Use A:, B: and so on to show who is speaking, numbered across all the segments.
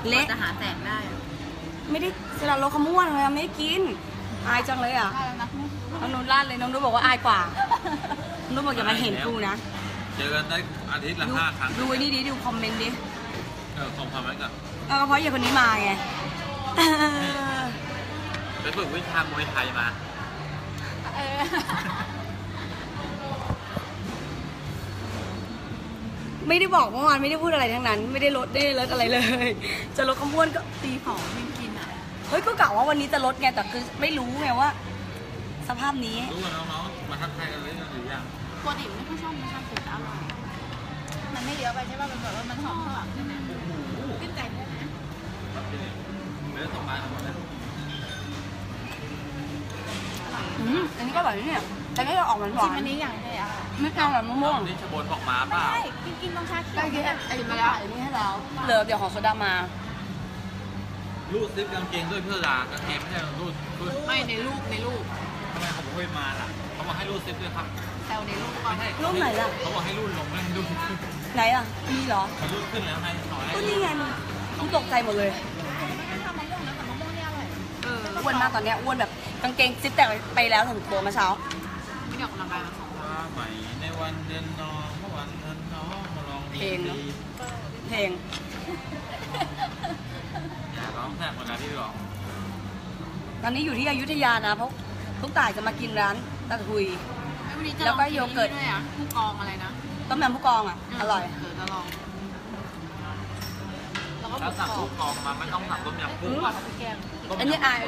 A: เละ
B: จะหาแสงได้
A: ไม่ได้สลัดรสขม้วนเลยไม่ได้กินอายจังเลยอ่ะน้องนุ่นลาดเลยน้องนุ่นบอกว่าอายกว่าน้องนุ่นบอกอย่ามาเห็นกูนะ
C: เจอกันได้อาทิตย์ละ5 ครั้ง
A: ดูนี่ดิดูคอมเมนต์ดิ
C: คอมไว้ก่อน
A: ก็เพราะอย่างคนนี้มาไง
C: ไปฝึกวิชามวยไทยมา
A: ไม่ได้บอกเมื่อวานไม่ได้พูดอะไรทั้งนั้นไม่ได้ลดอะไรเลยจะลดขม้วนก็
B: ตีของไม่กินอ่ะ
A: เฮ้ยก็กะว่าวันนี้จะลดไงแต่คือไม่รู้ไงว่าสภาพนี้
C: รู้กันน้องๆมาทักทายกันเลยหรือยัง
B: ปกติไม่ค่อยชอบสูตรอร่อยมันไม่เยอะไปใช่ป่ะมันแบบว่ามันหอมใช่ไหมขึ้นใจได้ไหม
C: เนื้อ2 บาทหมดแล้ว
A: อันนี้ก็แบบนี้เนี่ยแต่ไม่ได้ออกหวาน
B: ชิมอันนี้อย่างไรอ่ะ
A: ไม่เอาแบบมะม่วง
C: นี่ชบนบอกมาเปล่า
B: กินต้องชาเขียว
A: ไอ้มาแล้วไอ้นี่ให้เราเหลือเดี๋ยวของโซดามา
C: รูดซิปกางเกงด้วยเพื่อลากางเกงไม่ใช่รูด
B: ไม่ในรูป
C: ทำไมเขาบอกให้มาล่ะเขาบอกให้รูดซิปด้วยครับ
B: แซวในรูปก่อน
A: รูปไหนล่ะ
C: เขาบอกให้รูดลงไม่ให้รูด
A: ไหนอ่ะมีเหรอ
C: รูดขึ้นแล้วไง
A: ก็นี่ไงมึงตกใจหมดเลยอ้วนมากตอนนี้อ้วนแบบกางเกงซิปแต่ไปแล้วถึงตัวมาเช้า
B: ไม่ได้ออกกำลังกายมา2 วัน
C: ใหม่ในวันเดือนน้องเมื่อวันเดือนน้องมาลอง
A: เพลงเนาะเพลง
C: อย่าร้องแทบเหมือนกันที่ร้อง
A: ตอนนี้อยู่ที่อยุธยานะเพราะทุกต่ายจะมากินร้านตะทุยแล้วก็โยเกิร์ต
B: ด้วยอ่ะผู้กองอะไรนะ
A: ต้มยำผู้กองอ่ะอร่อย
B: จะลอง
C: ถ้าสั่งผู้กองมาไม่ต้องสั่งต้มยำกุ้ง
A: อันนี้อาย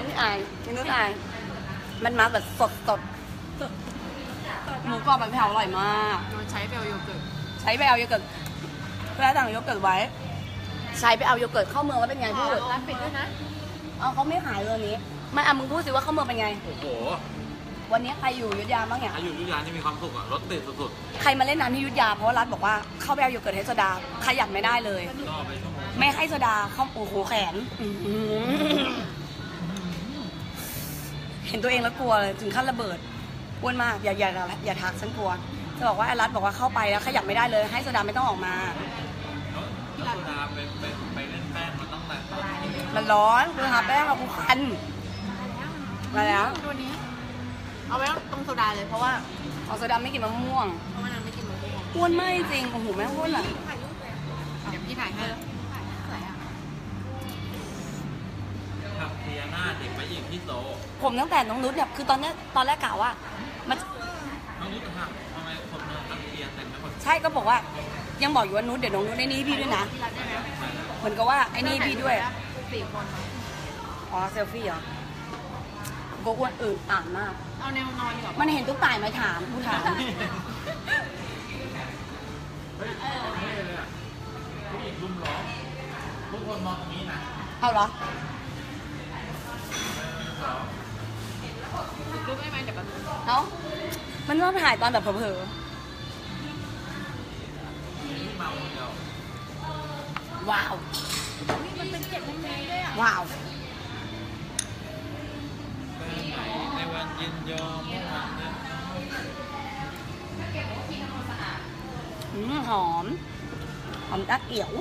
A: มันมาแบบสดหมูกรอบแบบแผ่วอร่อยมาก
B: ใช้ไปเอาโยเกิร์ต
A: เพื่อสั่งโยเกิร์ตไว้ใช้ไปเอาโยเกิร์ตเข้าเมืองแล้วเป็นไงพูด
B: ร้านปิดด้วยนะ
A: เขาไม่ขายเลยนี้ไม่มึงพูดสิว่าเข้าเมืองเป็นไง
C: โอ้โห
A: วันนี้ใครอยู่อยุธยาบ้างเนี่ย
C: ใครอยู่อยุธยานี่มีความสุขอะรถติดสุด
A: ๆใครมาเล่นน้ำที่อยุธยาเพราะว่ารัฐบอกว่าเข้าไปเอาโยเกิร์ตให้โซดาขยับไม่ได้เลยไม่ให้โซดาเข้าโอ้โหแขนเห็นตัวเองแล้วกลัวเลยถึงขั้นระเบิดอ้วนมากอย่าทักฉันกลัวจะบอกว่าไอ้รัฐบอกว่าเข้าไปแล้วขยับไม่ได้เลยให้โซดาไม่ต้องออกมา
C: โซดาไปเล่นแป้งมันต้องแบบ
A: มันร้อนคือหาแป้งกับกูคันมาแล้ว
B: ตัวนี้เอาไว้ตรงโซดาเลยเพราะว่า
A: โซดาไม่กินมะม่วง
B: เพราะว่านางไม่กินมะม่วง
A: อ้วนไม่จริงโอ้โหแม่อ้วนอ่ะ
B: เดี๋ยวพี่ถ่ายให้
C: ขับเทียหน้าเด็กไปอีกที่โต
A: ผมตั้งแต่น้องนุชเนี่ยคือตอนแรกกล่าวว่ามัน
C: น้องนุชทำไมคนเมืองขับเทียแต่งไม่คน
A: ใช่ก็บอกว่ายังบอกอยู่ว่านุชเดี๋ยวน้องนุชไอ้นี่พี่ด้วยนะเหมือนกับว่าไอ้นี่พี่ด้วย
B: 4 คน
A: อ๋อเซลฟี่เหรอก็อ้วนอ่านมาก
B: เอาแนวนอนดีกว่า
A: มันเห็นตุ๊กตาไหมถามกูถาม
C: ผู้หญิงรุมล้อมทุกคนมองอย่างนี้นะ
A: เอาเหรอ
B: รูปได้ไหมเดี๋ยว
A: เนาะมันต้องถ่ายตอนแบบเผลอว้าว
B: มันเป็น7 นาทีด้วยอ่ะ
A: ว้าว
C: ในวันยินยอม
A: หอมดักเอี่ยว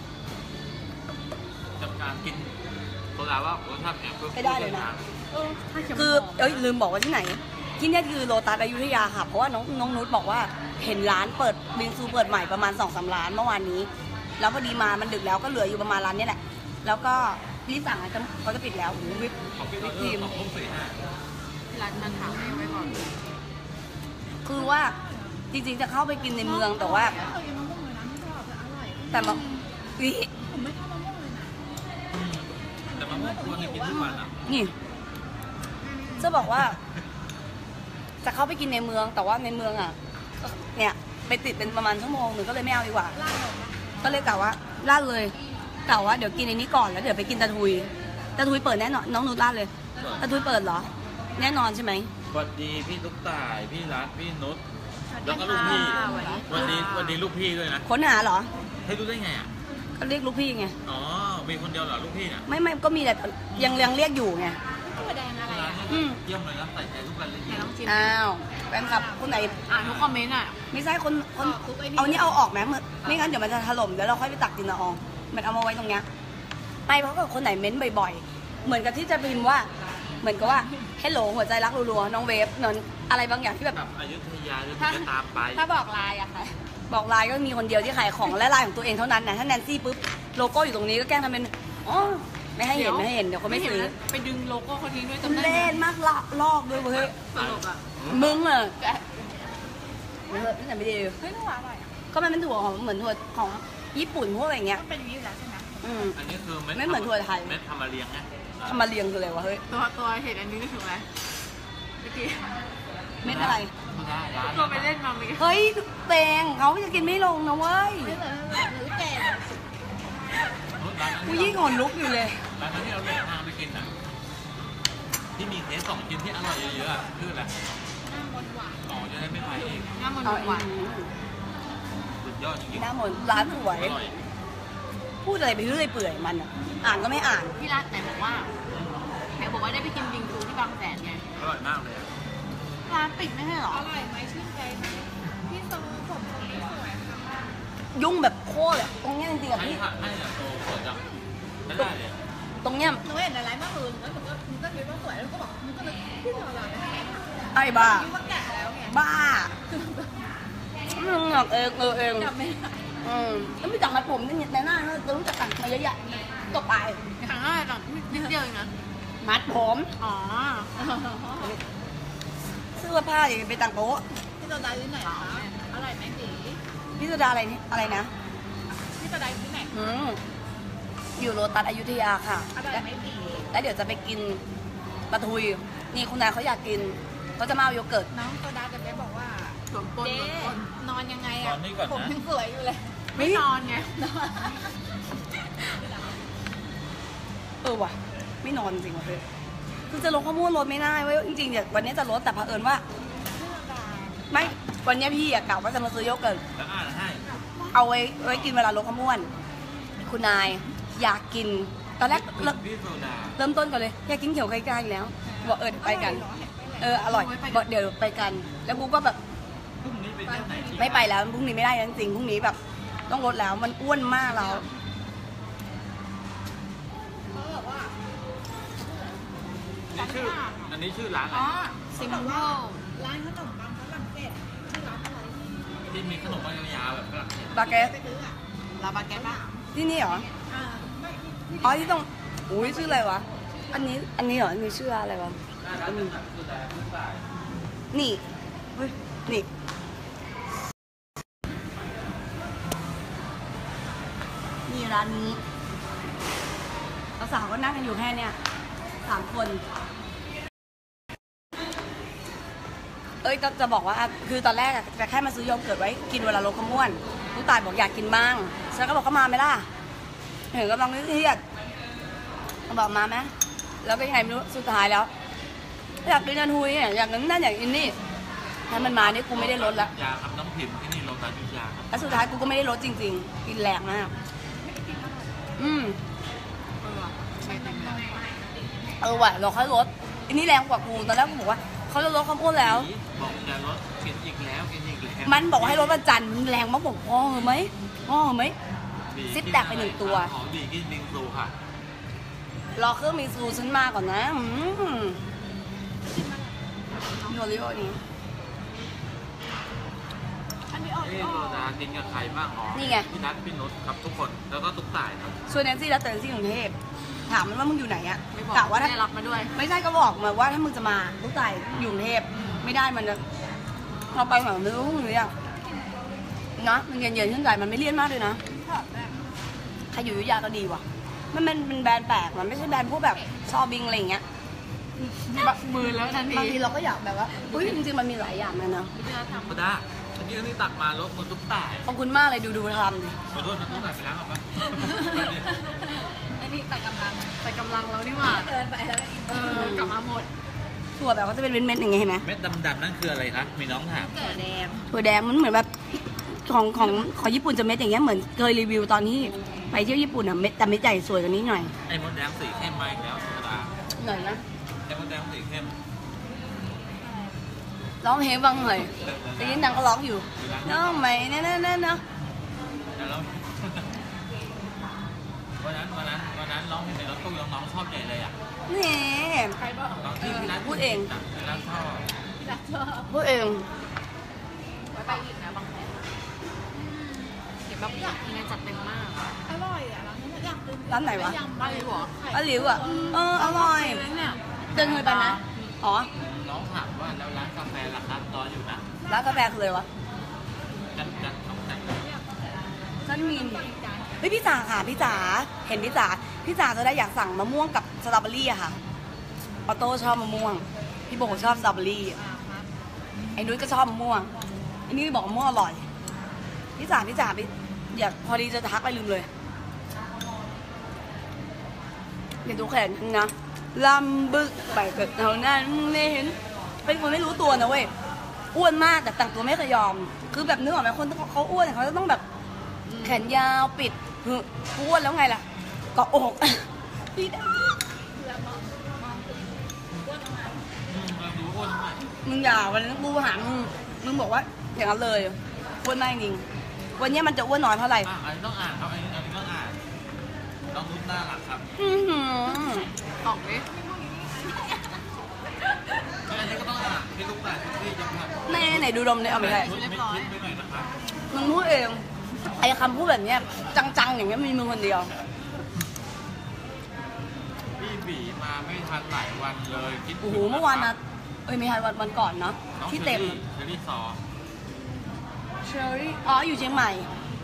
C: จำการกินโซดาว่ารสชาติแอบ
A: ไม่ได้เลยนะคือลืมบอกว่าที่ไหนที่นี่คือโลตัสอยุธยาค่ะเพราะว่าน้องนุชบอกว่าเห็นร้านเปิดบิงซูเปิดใหม่ประมาณ 2-3 ร้านเมื่อวานนี้แล้วพอดีมามันดึกแล้วก็เหลืออยู่ประมาณร้านนี้แหละแล้วก็รีบสั่งเขาจะปิดแล้ววิปครีม
B: ร้านมันถามไว้ก่อน
A: คือว่าจริงๆจะเข้าไปกินในเมืองแต่ว่าแต่มา
B: ผมไม่ชอบมะม่วงเลยนะ
C: แต่มะม่วงควรจะกินทุกวันอ่ะ
A: นี่จะบอกว่าจะเข้าไปกินในเมืองแต่ว่าในเมืองอ่ะเนี่ยไปติดเป็นประมาณ1 ชั่วโมงก็เลยไม่เอาดีกว่าก็เลยกล่าวว่าลาดเลยกล่าวว่าเดี๋ยวกินในนี้ก่อนแล้วเดี๋ยวไปกินตะทุยเปิดแน่นอนน้องนุชลาดเลยตะทุยเปิดเหรอแน่นอนใช่ไหม
C: สวัสดีพี่ตุ๊กตายพี่รัฐพี่นุชแล้วก็ลูกพี่วันดีลูกพี่ด้วยนะ
A: ค้นหาเหรอ
C: ให้รู้ได้ไงอ่ะ
A: ก็เรียกลูกพี่ไง
C: อ๋อมีคนเดียวเหรอลูกพี่เนี่ย
A: ไม่ก็มีแต่ยังเรียกอยู่ไง
B: ตัวแดงอะไร
C: เยี่ยมเลยนะใส่ใจทุกรายละเอียด
A: อ้าวแฟนคลับคนไหน
B: ทุกคอมเมนต์อ่ะ
A: ไม่ใช่คนเอานี่เอาออกไหมไม่งั้นเดี๋ยวมันจะถล่มเดี๋ยวเราค่อยไปตักกินละอองมันเอามาไว้ตรงเนี้ยไม่เพราะกับคนไหนเม้นบ่อยๆเหมือนกับที่จะพิมพ์ว่าเหมือนกับว่าให้โหลหัวใจรักรัวๆน้องเวฟนนอะไรบางอย่างที่แบบ
C: แบบอยุธยาจะจะตามไป
B: ถ้าบอกไลน์อะค่ะ
A: บอกไลน์ก็มีคนเดียวที่ขายของและไลน์ของตัวเองเท่านั้นนะถ้าแนนซี่ปุ๊บโลโก้อยู่ตรงนี้ก็แกล้งทำเป็นอ๋อไม่ให้เห็นไม่ให้เห็นเดี๋ยวเขาไม่ซื้อ
B: ไปดึงโลโก้คนทิ้งด้วย
A: มัน
B: จำได้
A: เล่นมากละลอกด้วยเว้ย
B: ตลกอะ
A: มึงอะไม่เถอะนี่แต่ไม่ดี
B: เฮ้ยน่าอร่อยอะ
A: ก็มันเป็นถั่วของเหมือนถั่วของญี่ปุ่นพวกอะไรเงี้ย
B: มันเป็นอย่างนี้อยู่แล้วใช่ไหม
C: อันนี้คือเม็ด
A: ไม่เหมือนถั่วไทย
C: เม็ดทำมาเรียงไง
A: ทำมาเรียงคืออะไรวะเฮ้ย
B: ตัวเห็นอันนี้นึกถึงอะไรเมื่อกี้
A: เม็ดอะไร
C: ได้ร้าน
B: ตัวไปเล่นมาเมื่อกี้
A: เฮ้ยเตงเขาจะกินไม่ลงนะเว้ย
B: ไม่เหมือนหรือแก่
A: กูยิ่งขนลุกอยู่เลย
C: ร้านนั้นที่เราเดินทางไปกินอ่ะที่มีเทส2ชิ้นที่อร่อยเยอะๆอ่ะคืออะไร
B: หน้ามนต์หวาน
C: อ๋อจะได้ไม่ไปเอง
B: หน้ามนต์
A: เอา
B: หวาน
C: สุดยอดจริง
A: หน้ามนต์ร้านสวย
C: อร่อย
A: พูดอะไรไปเรื่อยเปื่อยมันอะอ่านก็ไม่อ่าน
B: พี่รัตไหนบอกว่าได้ไปกินบิงซูที่บางแสนไง
C: อร่อยมากเลยอะ
B: ร้านปิดไม่ใช่เหรอ
D: อร่อยไหมชื่นใจไหมพี่โซผมตรงนี้สวยค่ะ
A: ยุ่งแบบโคตรอะตรงเนี้ยจริงๆอะ
C: ให้
A: พี่
C: ค่ะให้เนี่ยโตเปิดจังไม่ได้เลยอะ
A: ตรงเนี้ย
D: หนูเห็นอะไรมากเลยแล้วหนูก็คิดว่าสวยแล้วก็บอกหนูก็เลยพี่โซเราเนี่ย
A: ไอ้บ้า
D: คิดว่าแก่แล้วไง
A: บ้ามึงหรอกเอง
D: จำไม่ได้
A: แล้วไม่จับมาผมนี่ในหน้าเรารู้จักกันมาเยอะแยะก็ไป
B: ครั้งแรกต่างนิดเดียวเองนะ
A: มัดผม
B: อ๋อ
A: เสื้อผ้าอย่างไปต่างโต๊ะ
D: พี่โซดาที่ไหนคะอร่อยไหมสี
A: พี่สุดาอะไรนี่อะไรนะ
D: พี่โซดาที่ไหน
A: อยู่โรตัสอยุธยาค่ะ
D: อร่อยไหมสี
A: แล้วเดี๋ยวจะไปกินปลาทุยนี่คุณนายเขาอยากกินเขาจะมาเอาโยเกิร์ต
D: น้องโซดาจะไปบอกว่า
B: สวมปน
D: เจ๊
B: สวมปน
D: นอนยังไง
C: ตอ
D: อ่ะ
C: นนี้ก่อน
D: ผม
C: นะ
D: ยังสวยอยู่เลย
B: ไม่นอนไง
A: ว่ะไม่นอนจริงว่ะเพื่อนคือจะลดข้อมูลลดไม่ได้เว้ยจริงๆเนี่ยวันนี้จะลดแต่เผอิญว่า ไม่วันนี้พี่อะกะว่าจะมาซื้อโยเกิร์ต
C: แล้วอ่านให้
A: เอาไว้กินเวลาลดความอ้วนคุณนายอยากกินตอนแรก
C: พี่โซดา
A: เริ่มต้นก่อนเลยอยากกินเขียวไก่กาอีกแล้วบอกไปกัน อร่อยบอกเดี๋ยวไปกัน แล้วกูก็แบบ
C: พรุ่งนี้ไปเที่ยวไหน
A: ไม่ไปแล้วพรุ่งนี้ไม่ได้จริงๆพรุ่งนี้แบบ ต้องลดแล้วมันอ้วนมากแล้ว
D: เขาบอกว่า
C: อันนี้ชื่อร้านอะไร
B: อ๋อซิมเปิล
D: ร้านขนมปังฝรั่งเศสชื่อร้านอะไร
C: ที่มีขนมปังยาวๆแบบฝรั่งเศส
A: บาเกต
D: ไปซื้ออ่ะ
B: ลาบาเกตป่ะ
A: ที่นี่เหรอ
D: ไม่ที่
A: อ๋อที่ต้องอุ้ยชื่ออะไรวะอันนี้เหรออันนี้ชื่ออะไรวะ
C: ร้านนั้นคือแต่ผู้ตาย
A: นี่เฮ้ยนี่นี่ร้านนี้สาวๆก็นั่งกันอยู่แค่เนี้ย3 คน เอ้ยจะบอกว่าคือตอนแรกอะจะแค่มาซื้อโยเกิร์ตไว้กินเวลาลดความอ้วนผู้ตายบอกอยากกินบ้างฉันก็บอกเขามาไหมล่ะเห็นกำลังเครียดบอกมาไหมแล้วก็ยังไงไม่รู้สุดท้ายแล้ว อยากกินนันฮุยเนี่ยอยากนั่นอยากกินนี่ถ้ามันมาเนี่ยกูไม่ได้ลดละ
C: ยาครับน้ำพิมพ์ที่นี่โรงพยาบาลยุทธยาครับ
A: แล้วสุดท้ายกูก็ไม่ได้ลดจริงๆกินแรงมาก
B: ใช่เต็มเลย
A: ว่ะเราค่อยลดอันนี้แรงกว่ากูตอนแรกกูบอกว่าเขาจะลดความอ้วนแล้ว
C: บอกจะลดกินอีกแล้วกินอีกแล้ว
A: มันบอกให้ลดวันจันทร์มันแรงมากบอกพ่อเหรอไหมพ่อเหรอไหม ซิปแตกไป1 ตัว
C: ของดีกินบิงซูค่ะ
A: รอเครื่องมีซูฉันมาก่อนนะโยริโอนี้
B: อันนี้ออก
C: พี่โซดากินกับใครบ้างอ๋อ
A: นี่ไง
C: พี่นัทพี่นุชครับทุกคนแล้วก็ตุ๊กตายครับ
A: ชวนแนนซี่แล้วเตนซี่กรุงเทพถามมันว่ามึงอยู่ไหนอะ
B: ไม่บอก
A: กะว่าถ้า
B: ได้รับมาด้วย
A: ไม่ใช่ก็บอกมาว่าถ้ามึงจะมาลูกไก่อยู่กรุงเทพไม่ได้มันจะเราไปแบบไม่รู้พรุ่งนี้อะนะมันเย็นๆขึ้นใจมันไม่เลี่ยนมากเลยนะใครอยู่อยุธยาก็ดีว่ะมันเป็นแบรนด์แปลกมันไม่ใช่แบรนด์พวกแบบชอบิงอะไรอย่างเงี้ย
B: มือแล้วทันที
A: บางทีเราก็อยากแบบว่าอุ้ยจริงๆมันมีหลายอย่างนะ
C: ธรรมดาเมื่อกี้นี่ตักมาลดมันตุ๊กตาย
A: ขอบคุณมากเลยดูทำดิ
C: ขอโทษนะตุ๊กตายไปล้างออกปะ
D: อันนี้ตัดกำลัง
B: แต่กำลังเรานี่หว่า
D: เกินไปแล้ว
B: กลับมาหมด
A: ถั่วแบบก็จะเป็นเม็ดๆอย่างเงี้ยเห็นไหม
C: เม็ดดำๆนั่นคืออะไรคะมีน้องถาม
D: เกิดแดง
A: ถั่วแดงมันเหมือนแบบของญี่ปุ่นจะเม็ดอย่างเงี้ยเหมือนเคยรีวิวตอนที่ไปเที่ยวญี่ปุ่นอะเม็ดแต่เม็ดใหญ่สวยกว่านี้หน่อย
C: ไอ้มดแดงสีเข้มมาอีกแล้วธรรมดา
A: หน่อยนะ
C: ไอ้มดแดงสีเข้ม
A: ร้องเพลงบ้างเลยแต่ยินนางก็ร้องอยู่น้องใหม่เน่ๆๆเนาะ
C: แล้ววันนั้นร้องน้องๆชอบใหญ่เลยอ่ะ
A: นี่
D: ใครบอก
C: น้องที่พี่รัฐ
A: พูดเอง
C: พี่รัฐชอบ
D: พี่รักชอบ
A: พูดเอง
B: ไว้ไปอีกนะบางแผนเห็นแบบทีนี้จัดเต็มมาก
D: อร่อยอ่ะร้านนี้อยากกิน
A: ร้านไหนวะ
D: ยำ
B: บ้านหลิวเหรอ
A: ป้าหลิวอ่ะอร่อย
B: เนี่ย
A: เดินเคยไปไหมอ๋อ
C: น้องถามว่าแล้วร้านกาแฟราคาตอนอยู่นะ
A: ร้านกาแฟคืออะไรวะ
C: กันน้องแต่ง
A: นั่นมีเฮ้ยพี่จ๋าค่ะพี่จ๋าเห็นพี่จ๋าจะได้อยากสั่งมะม่วงกับสตรอเบอรี่อะค่ะออโต้ชอบมะม่วงพี่โบชอบสตรอเบอรี่ไอ้นุ้ยก็ชอบมะม่วงไอ้นี่บอกมะม่วงอร่อยพี่จ๋าพี่อยากพอดีจะทักไปลืมเลยเดี๋ยวดูแขนฉันนะลำบึกไปกับเท่านั้นไม่เห็นเป็นคนไม่รู้ตัวนะเว้ยอ้วนมากแต่แต่งตัวไม่เคยยอม คือแบบนึกออกไหมคนเขาอ้วนเขาจะต้องแบบแขนยาวปิดอ้วนแล้วไงล่ะเกาะอกพี่ดา
C: เราดูอ้วนมาก
A: มึงอย่าวันนั้นกูหามึงบอกว่าอย่างนั้นเลยอ้วนมากจริงวันนี้มันจะอ้วนน้อยเท่าไหร่
C: อันนี้ต้องอ่านครับอันนี้ต้องอ่านน้องนุ่นน่ารักครับ
A: อื้อหือ
B: ออกดิ
C: อันนี้ก็ต้องอ่านพี่ลูกตาที่จะทำ
A: แม่ไหนดูดมเลยเอาไปได้
C: ชุดไม่คิดไปหน่อยนะครับ
A: มึงพูดเองไอ้คำพูดแบบเนี้ยจังๆอย่างเงี้ยมีมึงคนเดียว
C: พี่บีมาไม่ทันหลายวันเลยคิดถึ
A: โอ้
C: ง
A: โหเมื่อวานนะเอ้ยไม่ทันวันก่อนเนาะ
C: น้อง
A: ที่เต็ม
C: เชอรี่ซอ
A: เชอรี่อ๋ออยู่เชียงใหม่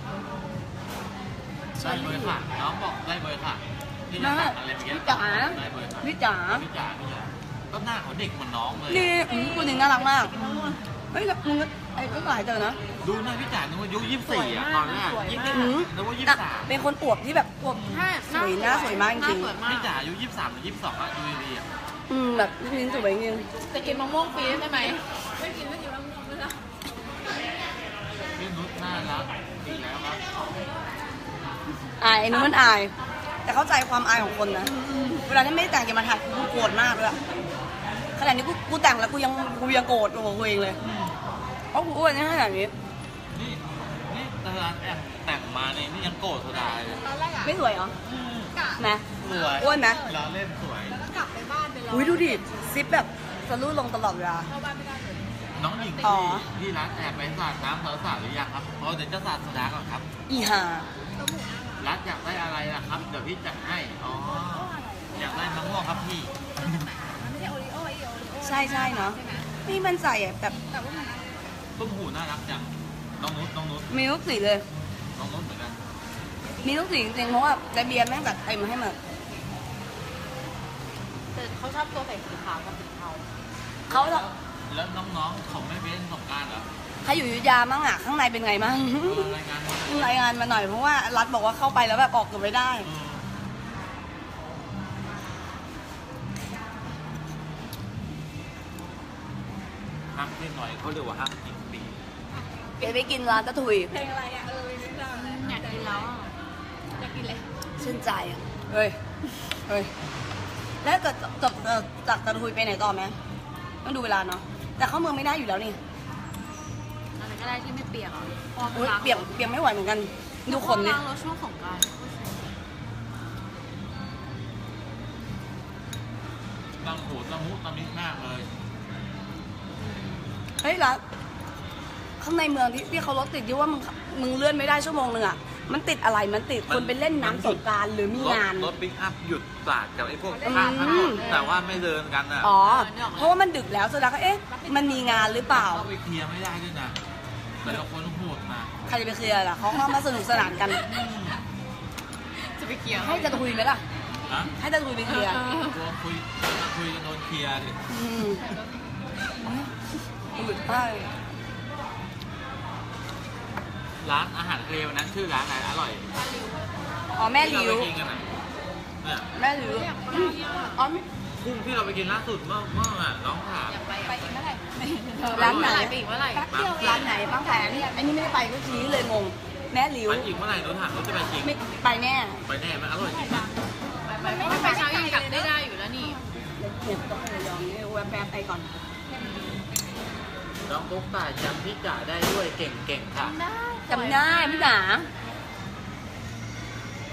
C: ได้เบอร์ค่ะน้องบอกได้เบอร์ค่ะพี่จะ
A: นะ
C: สั่งอะไรเมื่อกี้
A: พี่จ๋า
C: ได้เบอร์ค่ะ
A: พี่จ๋า
C: พี่จ๋าก็หน้าเขาเด็กเหมือนน้องเลย
A: นี่คุณหนึ่งน่ารักมากเฮ้ยแล้วมึงก็ไอ้ก็หลายเจอนะ
C: ดูหน้าพี่จ๋านึกว่าอายุ24อ่ะตอนแรกยิ่ง
A: อืม
C: นึกว่า
A: อ่ะ
C: 23
A: เป็นคนอวบที่แบบอวบ
B: ใช่
A: สวยหน้าสวยมากจริง
B: สวยมาก
C: พี่จ๋าอายุ23หรือ22อ่ะดูดีๆอ่ะ
A: แบบลิ้นสวยจริง
B: จะกินมะม่วงฟรีใช่ไหม
D: ไม่กินแล้วไม่ละ
C: พี่นุชน่ารักดีแล้วครับ
A: อายไอ้นู้นมันอาย แต่เข้าใจความอายของคนนะเวลาที่ไม่ได้แต่งจะมาถ่ายกูโกรธมากเลยอะขนาดนี้กูแต่งแล้วกูยังโกรธตัวกูเองเลยเพราะกูอ้วนนี่ขนาดนี้
C: นี่ตลาดแต่งมาเนี่ยนี่ยังโกรธสุดาเลย
D: ตอนแรกอ่ะ
A: ไม่สวยเหรอ
D: กะ
A: นะ
C: สวย
A: อ้วนนะ
C: เราเล่นสวย
D: แล้วก็กลับไปบ้านไปรอ
A: อุ้ยดูดิซิปแบบสะลุลงตลอดเวลา
D: เข้าบ้านไม่ได้เลย
C: น้องหญิง
A: อ๋อ
C: ที่ร้านแอบไปสาดน้ำสาวๆหรือยังครับเพราะเดี๋ยวจะสาดสุดาก่อนครับ
A: อีห่า
C: รัฐอยากได้อะไรล่ะครับ เดี๋ยวพี่จัดให้ อ๋อ อยากได้มะม่วงครับพี่
D: มันไม่ใช่โอริโอ้ไอโอริโอ้
A: ใช่เนาะนี่มันใส่อะแบบ
D: แต่ว่ามัน
C: ต้มหูน่ารักจัง น้องนุชน้องนุช
A: มีทุกสีเลย
C: น้องนุชเหมือนกัน
A: มีทุกสีจริงๆเพราะว่าแต่เบียร์แม่งแบบเต็มให้มา
B: แต่เขาชอบตัวใส่สีขาวกับสีเทา
A: เขา
C: แล้วน้องๆเขาไม่เป็นสงกรารเหรอ
A: ใครอยู่อยุธยามั่งอะข้างในเป็นไงมั่ง
C: รายงานมา
A: รายงานมาหน่อยเพราะว่ารัฐบอกว่าเข้าไปแล้วแบบออกเกือบไม่ได้
C: ห้ามเล่นหน่อยเขาเรียกว่าห้ามกินปี
A: เดี๋ยวไปกินร้านตะถุย
D: เพลงอะไรอ่ะไม่รู้จักเลย
B: อยากกินแล้วอะ
D: อยากกินเลย
A: ชื่นใจอ่ะเฮ้ยแล้วเกิดจบจากตะถุยไปไหนต่อไหมต้องดูเวลาเนาะแต่เข้าเมืองไม่ได้อยู่แล้วนี่
B: อะไรก็ได้ที่ไม่เปียกอ่ะพอ
A: อุ๊ยเปียกไม่ไหวเหมือนกันดูคน
B: เนี่
A: เนี่ย ย
B: เราช่วงสงกรานต์
C: ตั้งหูตั้งมุตั้งมิดมากเลย
A: เฮ้ยรัฐข้างในเมืองที่เขารถติดที่ว่ามึงเลื่อนไม่ได้ชั่วโมงนึงอ่ะมันติดอะไรมันติดคนไปเล่นน้ำสงกรานต์หรือมีงาน
C: รถปิ๊กอัพหยุดสาดกับไอ้พวก
A: อืม
C: ข้างถนนแต่ว่าไม่เดินกันอ่ะ
A: อ๋อเพราะว่ามันดึกแล้วสุดแล้วก็เอ๊ะมันมีงานหรือเปล่า
C: เข้าไปเคลียร์ไม่ได้ด้วยนะแต่ละคนโหดนะ
A: ใครจะไปเคลียร์ล่ะเขาเข้ามาสนุกสนานกัน
B: จะไปเกี่ยว
A: ให้จะคุยไหมล่ะ
C: นะ
A: ให้จะคุยไปเคลียร์
C: ตัวคุยกันโดนเคลียร์ดิ
A: อืดใช่
C: ร้านอาหารทะเลวันนั้นชื่อร้านอะไรอร่อย
A: อ๋อแม่หลิ
C: ที่
A: ว
C: เราไปกินกันอ่ะเนี่ย
A: แม่หลิวอ๋อไม่
C: กุ้งที่เราไปกินล่าสุดเมื่ออ่ะน้องถาม
B: ไปอีกเมื่อไหร่
A: ร้านไหน
B: ไปอีกเมื่อไหร่
A: ร้านไหนบางแสนไอ้นี่ไม่ได้ไปก็ชี้เลยงงแม่หลิว
C: ไปอีกเมื่อไหร่หนูถามหนูจะไปจริง
A: ไม่ไปแน่
C: ไปแน่ไหมอร่อยจริง
B: ไม่ไปเช้ายังกลับได้อยู่แล้วนี่
A: เนี่ยต้องเลยยอมนี่แวบๆไปก่อน
C: น้องตุ๊กตาจำพี่จ๋าได้ด้วยเก่งค่ะ
A: จำได้พี่จ๋า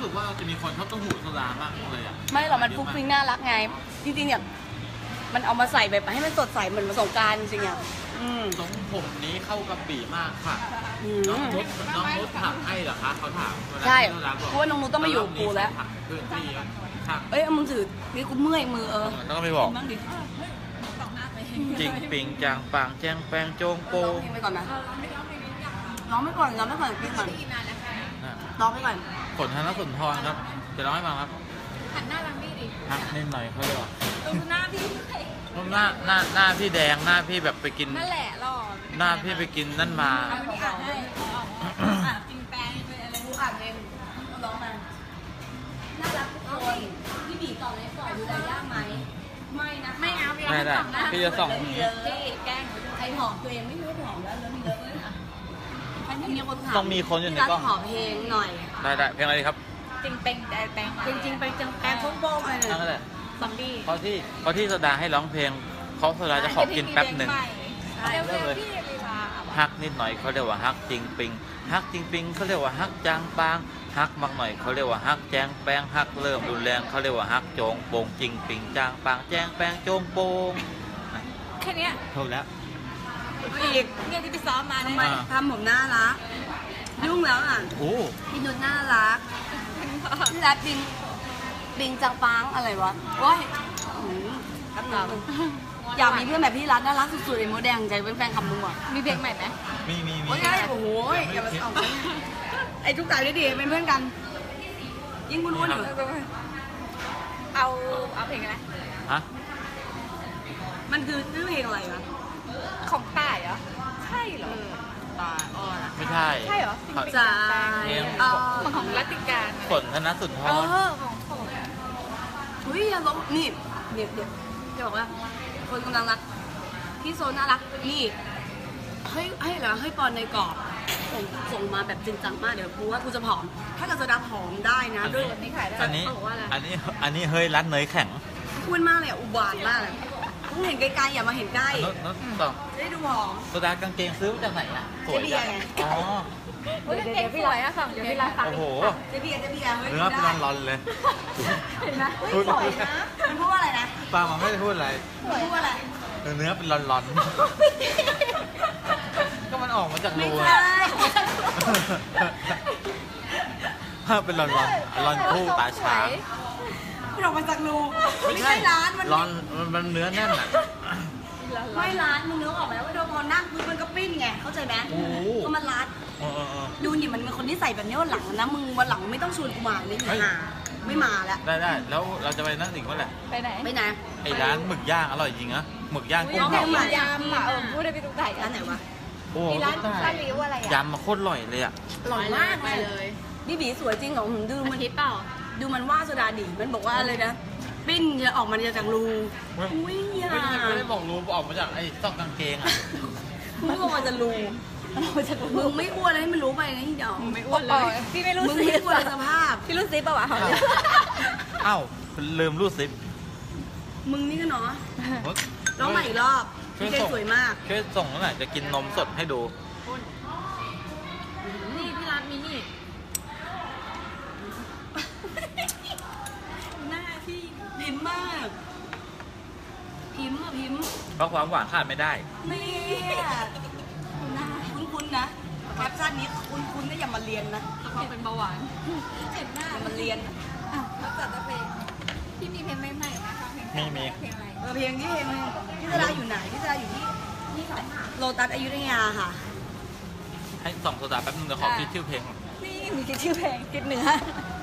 C: สึกว่าจะมีคนชอบเต้าหู้โซดามากเลยอ่ะ
A: ไม่หรอกมันฟรุ้งฟริ้งน่ารักไง จริงๆเนี่ยมันเอามาใส่แบบให้มันสดใสเหมือนมาสงกรานต์จริงๆอ่ะ
C: ทรงผมนี้เข้ากับปีมากค่ะ น้องนุชถักให้เหรอคะเขาถาม
A: ใช่เพราะว่าน้องนุชต้องมาอยู่กับกูแล้ว
C: เพื่อนพี่ถัก
A: เอ้ยเอามึงถือนี่กูเมื่อยมือ
C: ต้องไปบอก
A: บ้างดิ
C: จริงปิงจางปางแจงแปงโจงโป
A: ร้องเพลงไปก่อนนะร้องไปก่อนร้องไปก่อนกินก่อนร้องไปก่อน
C: ฝนธนสุนทรครับจะร้องให้ฟังครับ
B: หันหน้าทางนี้ดิ
C: ฮักนิดหน่อยเขาเรียกว่า
B: ดูหน้าพี่
C: หน้าพี่แดงหน้าพี่แบบไปกิน
B: นั่นแหละหล่อ
C: หน้าพี่ไปกินนั่นมา
B: เอาที่อ่านให้กินแปงเป็นอะไร
A: กูอ่านเองร้องมาน่ารักทุกคนพี่บีต่อเลยต่อดูแลยากไหมไม่นะ
B: ไม่เอาพี่
C: ไม่ได้
B: เอาหน้า
C: พี่จะส่องอย่างนี้
B: พี่แกล้ง
A: ใครหอมตัวเองไม่รู้หอมแล้วมีเลอะเลยค่ะอันนี้มีคนถาม
C: ต้องมีคนอยู่ในกล้อง
A: หอมเพลงหน่อย
C: ได้เพลงอะไรดีครับ
B: จริงเป็นแต่แปง
A: จริงๆไปจังแปงโป้งๆอะไร
C: นั่น
A: เนี่ย
C: แหละ
B: ซอมบี้
C: เพราะที่โซดาให้ร้องเพลงเขาโซดาจะขอกินแป๊บหนึ่ง
B: เร็วๆพี่เวลา
C: ฮักนิดหน่อยเขาเรียกว่าฮักจริงปิงฮักจริงปิงเขาเรียกว่าฮักจางปางฮักมากหน่อยเขาเรียกว่าฮักแจงแปงฮักเริ่มรุนแรงเขาเรียกว่าฮักโจงโปงจริงปิงจางปางแจงแปงโจงโปง
B: แค่เนี้ย
C: ถูกแล้ว
A: อีก
B: เนี่ยที่ไปซ้อมมา
A: ทำ
B: เนี่ย
A: ไมทำผมน่ารักยุ่งแล้วอ่ะ
C: โอ้
A: พี่นุชน่ารักพี่รักบิงจังปังอะไรวะว้ายอยากมีเพื่อนแบบพี่รัฐน่ารักสุดๆเลยโมแดงใจเป็นแฟนคำมึงว่ะ
B: มีเพลงใหม่ไหม
C: มี
A: โอ้ยโอ้โหอย่ามาส่องไอ้ทุกสายได้ดีเป็นเพื่อนกัน ยิ่งวุ่นๆอยู่
B: เอาเพลงอะไร
C: ฮะ
A: มันคือชื่อเพลงอะไรวะ
B: ของต่ายเหรอใช่เหรอ
A: ตาอ่อน
C: ไม่ใช่
B: ใช่เหรอ
A: ใจอ่อน
B: มันของรัตติการ
C: ฝนธนสุนท
B: เอ
C: ร
B: อของผม
A: เฮ้ยอย่าลงนี่เดี๋ยวจะบอกว่า คนกำลังรักพี่โซน่ารักนี่ให้เหรอให้ปอนในกรอบส่งมาแบบจริงจังมากเดี๋ยวกูว่ากูจะผอม ถ้าเกิดจะดับผอมได้นะด้วย
B: นี่ขายได้
C: อันนี้
B: เขาบอกว่าอะไร
C: อันนี้เฮ้ยรัดเนยแข็ง
A: พูดมากเลยอ่ะอุบาทมากเลยต้องเห็นไกลๆอย่ามาเห็นใกล้
C: นุชต่อ
A: จะได้ดูผอม
C: โซดากางเกงซื้อมาจากไหนอ่ะสวย
A: เจ๊เบีย
C: จั
A: ร์
C: ง
A: ไง
C: อ๋อ
B: เฮ้ยเก่งสวยอะสั่งเดี๋ยวพี่รักฟัง
C: โอ้โห
A: เจ๊เบียร์เฮ้ย
C: เนื้อเป็นร้อนๆเลย
A: เห็นไหมเฮ้ยสวยนะมันพูดว่าอะไรนะ
C: ป้ามันไม่ได้พูดอะไร
A: มันพูดว่าอะไร
C: เนื้อเป็นร้อนๆ ก็มันออกมาจาก
A: ไม่
C: รู
A: ใช่
C: ถ้าเป็นร้อนๆร้อนคู่ตาช้าง
A: มันออกมาจากรูไม่ใช่ร้านมัน
C: ร้อนมันเนื้อแน่นอ่ะ
A: ไม่ร้านมึงนึกออกไหมว่าโดนพอนั่งคือมันก็ปิ้นไงเข้าใจไหม
C: โอ้โห
A: ก็มันรัด
C: เออ
A: ดูนี่มันเป็นคนที่ใส่แบบนี้วันหลังนะมึงวันหลังไม่ต้องชวนกูมาเลย
C: เฮ้ย
A: หาไม่มาแล้ว
C: ได้แล้วเราจะไปนั่งอีกเมื่อไหร่
B: ไปไหน
A: ไปไหน
C: ไอ้ร้านหมึกย่างอร่อยจริงนะหมึกย่างกุ้ง
A: เอา
C: เผา
A: ไป
B: ยำอ่ะพูดได้ไปตุ๊กตา
A: ร้านไหนวะ
C: โอ้
B: มีร้าน
C: ได้
B: ร้านรีวิวอะไรอ่ะ
C: ยำมาโคตรอร่อยเลยอ่ะ
A: อร่อยมากเลยนี่บีสวยจริงเหรอดู
B: อา
A: มัน
B: ทิตย์เปล่า
A: ดูมันว่าโซดาดิมันบอกว่าอะไรนะปิ้นจะออกมาจากรูอุ้ยอย่า
C: ไม่ได้บอกรู้ออกมาจากไอ้ซอกกางเกงอ่ะ
A: มึงออกมาจากรูมึงไม่อ้วนเลยให้มันรู้ไปนะที่เดียว
B: ไม่อ้วนเลยพี่ไม่รู้
A: มึง
B: ซิ
A: ไม่อ้วนสภาพ
B: พี่รู้ซิปป่าวะ
C: เอ้าลืมรูดซิป
A: มึงนี่ก็เนาะร้องใหม่อีกรอบพี่เจสวยมาก
C: ช่วยส่งหน่อยจะกินนมสดให้ดู
B: นี่พี่ร้านมีนี่หน้าที่
A: พิมพ์มากพิมพ์อะพิมพ์
C: เพราะความหวานขาดไม่ได้
A: เนี่ยนะคุ้นๆนะแคปชั่นนี้คุ้นๆก็อย่ามาเรียนนะ
B: เขาเป็นเบาหวานเจ็บหน้า
A: อย่ามาเรียน
B: แล้วจัดเพลงพี่มีเพลงใหม่ๆนะคะเพลง
C: มี
B: เพลงอะไร
A: เพลงที่พี่สราอยู่ไหนพี่สราอยู่ที่โลตัสอยุธยาค่ะ
C: ให้ส่องโซดาแป๊บนึงเดี๋ยวขอคิดชื่อเพลงก่อน
B: นี่มีชื่อเพลงกินเนื้อ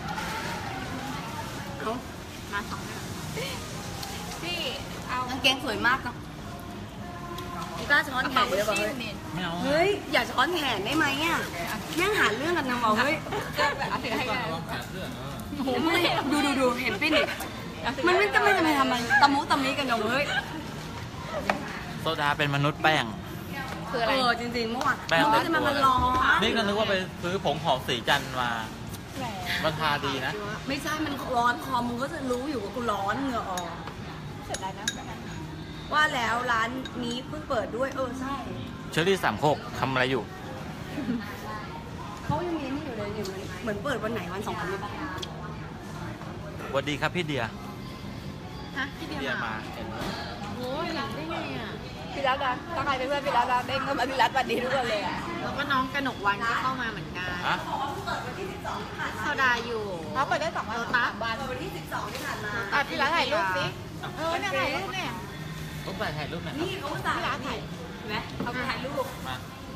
A: เอา
B: มาสองพี่เอา
A: กางเกงสวยมากนะกีตาร์ช้อนแขนเลยบอกเฮ้ย
C: ไม่เอา
A: เฮ้ยอย่าช้อนแขนได้ไหมอ่ะแม่งหาเรื่องกันนะบอกเฮ้ย
B: ก็แบบเอาถือให้กัน
C: แขนเสื้อ
A: ดูเห็นปิ้นอีกมันไม่จะไม่ทำมันตะมุตะมิกันอย่างเฮ้ย
C: โซดาเป็นมนุษย์แป้ง
B: คืออะไร
A: จริงๆเมื่อวาน
C: แป้ง
A: น้องจะมันร้อน
C: นี่ก็นึกว่าไปซื้อผงหอมสีจันทร์มา
B: แหม
C: มันทาดีนะ
A: ไม่ใช่มันร้อนคอมึงก็จะรู้อยู่ว่ากูร้อนเหงื่อออก
B: เสร็จแล้วนะ
A: ว่าแล้วร้านนี้เพิ่งเปิดด้วยใช่
C: เชอรี่สามโคกทำอะไรอยู่
A: เขายังมีนี่อยู่เลยไงเนี่ยเหมือนเปิดวันไหนวัน2 วันเลยปะ
C: สวัสดีครับพี่เดีย
B: ฮะพี่เดี
C: เดีย
B: ย
C: มา
B: โอ้ยเห็นได้ไงอ่ะ
A: พี่รัตนะถ้าใครเป็นเพื่อนพี่รัตนะเด้งก็มาพี่รัตสวัสดีทุกคนเลยอ่ะ
B: แล้วก็น้องกนกวันก็เข้ามาเหมือนกัน
C: ฮะ
B: โซดาอยู่
D: เขาเปิดได้2 วัน
B: โลตัส
A: เปิดวันที่12ที่ผ่านมา
D: พี่ร้านถ่ายรูปสิเนี่ยถ่ายรูปเนี่ย
C: ต้องไปถ่ายรูปหน่อยครับ
A: นี่เขาอุตส่าห์
D: พี่รัตถ่าย
A: เห็นไหมเขาถ่ายรูป
C: มา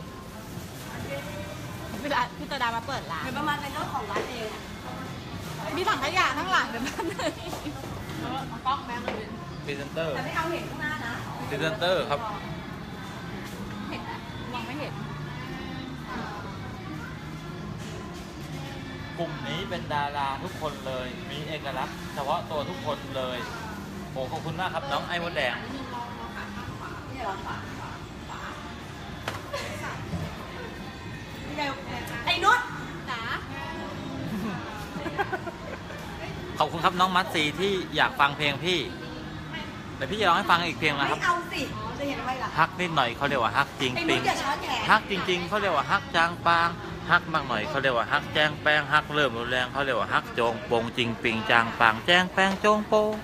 D: พี่ตาดามาเปิดร้าน
A: เป็นประมาณเป็นเจ้าของร้านเองอะ
D: มีถังขยะข้างหลังเดี๋ยวมันเลยกล้องแม่เลย
C: พรีเซนเตอร์
A: แต่ไม่เอาเห็นข้างหน้านะ
C: พรีเซนเตอร์ครับ
D: เห็นนะมองไม่เห็น
C: กลุ่มนี้เป็นดาราทุกคนเลย มีเอกลักษณ์เฉพาะตัวทุกคนเลยโอ้ขอบคุณมากครับน้องไอ้มดแดง
A: นี่เหรอนี่ไงไอ้นุช
D: จ๋า
C: ขอบคุณครับน้องมัดซีที่อยากฟังเพลงพี่แต่พี่จะร้องให้ฟังอีกเพลงนะครับ
A: ไม่เอาสิจะเห็นทำไมล่ะ
C: ฮักนิดหน่อยเขาเรียกว่าฮักจริง
A: ไอ้
C: ปิ
A: นุช
C: ง
A: อย่าช้อนแขน
C: ฮักจริงๆเขาเรียกว่าฮักจางปางฮักมากหน่อยเขาเรียกว่าฮักแจ้งแป้งฮักเริ่มรุนแรงเขาเรียกว่าฮักโจงโปงจริงปิงจางปางแจ้งแป้งโจงโปง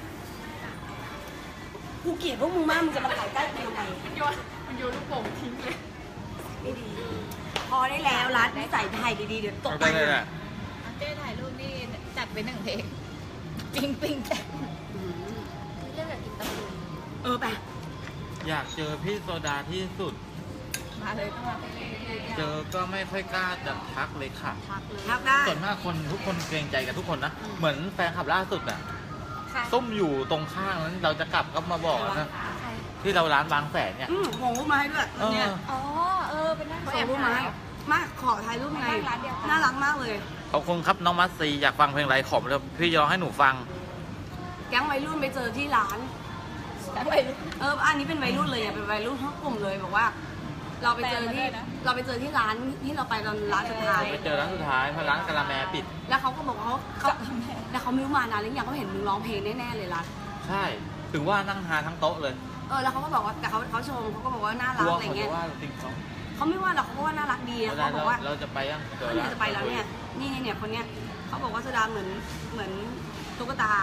A: กูเกลียดพวกมึงมากมึงจะมาถ่ายใกล้กูทำไม
D: มันโยนลูกโป่งทิ้งเลย
A: ไม่ดี พอได้แล้วรัดนิสัยไทยดีๆเดี๋ยวตก
C: ได้
A: ไป
C: เลยแหละ
D: เจ้ถ่ายรูปนี่จัดไป1 เพลงปิงปิงแจ๊เรื่องแบบกินตะปู
A: ไป
C: อยากเจอพี่โซดาที่สุด
D: มาเลยต้องมาไปเลย
C: เจอก็ไม่ค่อยกล้าจะทักเลยค่ะ
B: พักเลย
A: ทักได้
C: ส่วนมากคนทุกคนเกรงใจกันทุกคนนะ เหมือนแฟนคลับล่าสุดน่ะ
D: ค่ะ
C: ตุ้มอยู่ตรงข้างนั้นเราจะกลับก็มาบอกนะที่เราร้านบางแสนเนี่ย
A: ส่งรูปมาให้ด้วย
C: เออ
A: เนี่ย
D: อ๋อเป็นนั่ง
A: ส่งรูปมาให้มาขอถ่ายรูปไง
D: ร้านเดียวกัน
A: น่ารักมากเลย
C: ขอบคุณครับน้องมัสซีอยากฟังเพลงไรขอมเลยพี่ยอให้หนูฟัง
A: แก๊งวัยรุ่นไปเจอที่ร้าน
D: ไป
A: อันนี้เป็นวัยรุ่นเลยอ่ะเป็นวัยรุ่นทั้งกลุ่มเลยบอกว่า เราไปเจอที่ที่ร้านที่เราไปตอนร้านสุดท้าย
C: ไปเจอร้านสุดท้ายเพราะร้านกะละแมปิด
A: แล้วเขาก็บอกว่าเขาแล้วเขาไม่รู้มานานหรือยังเขาเห็นมึงร้องเพลงแน่ๆเลยรัด
C: ใช่ ถึงว่านั่งทานทั้งโต๊ะเลย
A: แล้วเขาก็บอกว่าแต่เขาชมเขาก็บอกว่าน่าก รัก
C: ลัว
A: อะไร
C: เขา
A: เงี้
C: จะ
A: ย
C: ว่าจริงเขา
A: เขาไม่ว่าหรอกเขาก็ว่าน่ารักดี
C: เว
A: เขา
C: ลา
A: บอกว่า
C: เราจะไปยังเจอ
A: เนี่ยจะไปแล้วเนี่ยนี่คนเนี้ยเขาบอกว่าโซดาเหมือนตุ๊กตา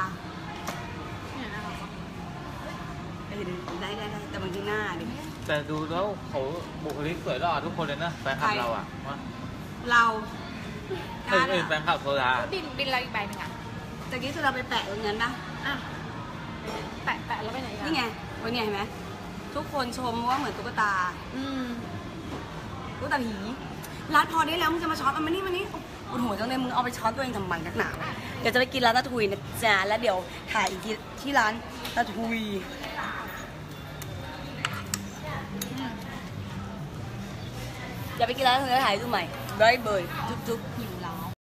A: ได้แต่บางทีหน้าดิ
C: แต่ดูแล้วเขาบุคลิกสวยหล่อทุกคนเลยนะแฟนคลับเราอ่ะว่า
A: เรา
C: แฟนคลับโซดา
D: บินเราอีกใบหนึ่งอ่ะ
A: ตะกี้โซดาไปแปะตรงนั้นปะ
D: แปะแล้วไปไหนกัน
A: นี่ไงวันนี้เห็นไหมทุกคนชมว่าเหมือนตุ๊กตาตุ๊กตาผีร้านพอได้แล้วมึงจะมาช้อนมานี่โอ้โหจังเลยมึงเอาไปช้อนตัวเองทำไมนักหนาวเดี๋ยวจะไปกินร้านตะทุยนะจ๊ะแล้วเดี๋ยวถ่ายอีกทีที่ร้านตะทุยเดี๋ยวไปกินร้านตะทุยแล้วถ่ายดูใหม่บายบายจุ๊บ